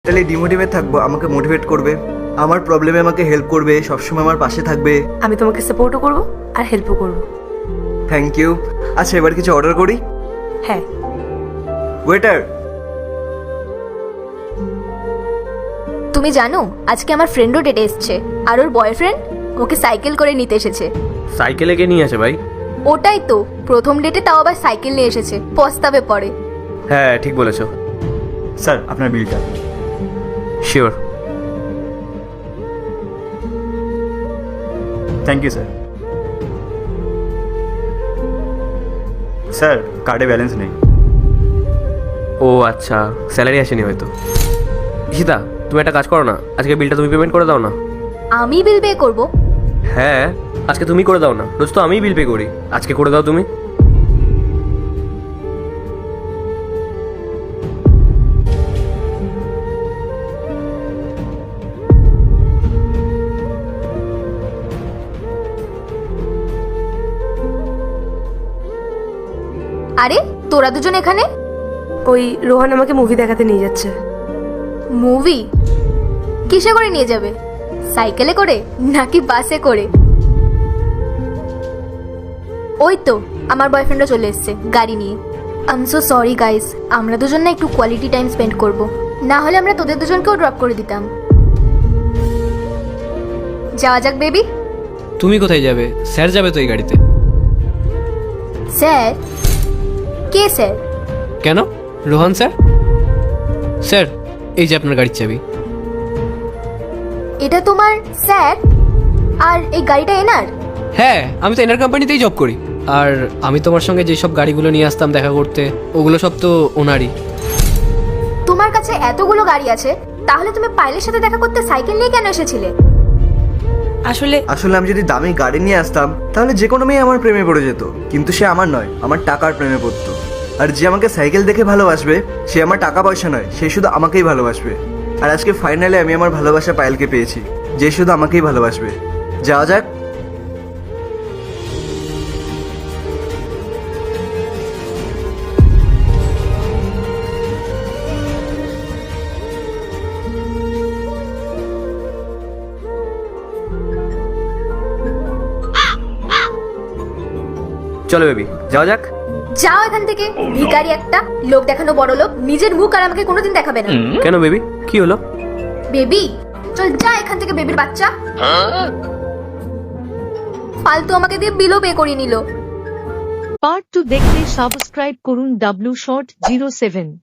তাহলে ডিমোটিভেট থাকবো, আমাকে মোটিভেট করবে, আমার প্রবলেমে আমাকে হেল্প করবে, সবসময় আমার পাশে থাকবে। আমি তোমাকে সাপোর্টও করব আর হেল্পও করব। Thank you. আচ্ছা এবার কিছু অর্ডার করি। হ্যাঁ। ওয়েটার। তুমি জানো আজকে আমার ফ্রেন্ডও ডেটে এসছে, আর ওর বয়ফ্রেন্ড ওকে সাইকেল করে নিতে এসেছে। সাইকেলে কে নিয়ে আসে ভাই? ওটাই তো, প্রথম ডেটে তাও আবার সাইকেল নিয়ে এসেছে, পস্তাবে পরে। হ্যাঁ ঠিক বলেছো। স্যার আপনার বিলটা। Sure. Thank you sir. Sir কার্ডে ব্যালেন্স নেই। ও আচ্ছা, স্যালারি আসেনি হয়তো। ঈশিতা তুমি একটা কাজ করো না, আজকে বিলটা তুমি পেমেন্ট করে দাও না। আমি বিল পে করবো? হ্যাঁ আজকে তুমি করে দাও না, রোজ তো আমিই বিল পে করি, আজকে করে দাও তুমি। আরে তোরা দুজন এখানে? ওই রোহন আমাকে মুভি দেখাতে নিয়ে যাচ্ছে। মুভি? কিসে করে নিয়ে যাবে? সাইকেলে করে নাকি বাসে করে? ওই তো আমার বয়ফ্রেন্ডও চলে এসেছে গাড়ি নিয়ে। I am so sorry guys, আমরা দুজন না একটু কোয়ালিটি টাইম স্পেন্ড করব, না হলে আমরা তোদের দুজনকেও ড্রপ করে দিতাম। যাওয়া যাক বেবি। তুমি কোথায় যাবে? স্যার যাবে তো এই গাড়িতে। স্যার? কে স্যার? কেন? রোহন স্যার। স্যার এই যে আপনার গাড়ির চাবি। এটা তোমার স্যার? আর এই গাড়িটা এনার? হ্যাঁ আমি তো এনার কোম্পানিতেই জব করি, আর আমি তোমার সঙ্গে যেসব গাড়িগুলো নিয়ে আসতাম দেখা করতে ওগুলো সব তো ওনারই। তোমার কাছে এতগুলো গাড়ি আছে, তাহলে তুমি পাইলের সাথে দেখা করতে সাইকেল নিয়ে কেন এসেছিলে? আসলে আসলে আমি যদি দামি গাড়ি নিয়ে আসতাম তাহলে যে কোনো মেয়ে আমার প্রেমে পড়ে যেত, কিন্তু সে আমার নয়, আমার টাকার প্রেমে পড়তো। আর যে আমাকে সাইকেল দেখে ভালোবাসবে সে আমার টাকা পয়সা নয়, সে শুধু আমাকেই ভালোবাসবে। আর আজকে ফাইনালি আমি আমার ভালোবাসা পায়েলকে পেয়েছি, যে শুধু আমাকেই ভালোবাসবে। যাওয়া যাক। চলো বেবি যাওয়া যাক। যাও এখান থেকে, ভিখারি একটা, লোক দেখানো বড় লোক, নিজের মুখ আর আমাকে কোনোদিন দেখাবে না। কেন বেবি কি হলো? বেবি চল যা এখান থেকে, বেবির বাচ্চা। ফালতু আমাকে দিয়ে বিলও পে করিয়ে নিল। পার্ট 2 দেখতে সাবস্ক্রাইব করুন W Short 07।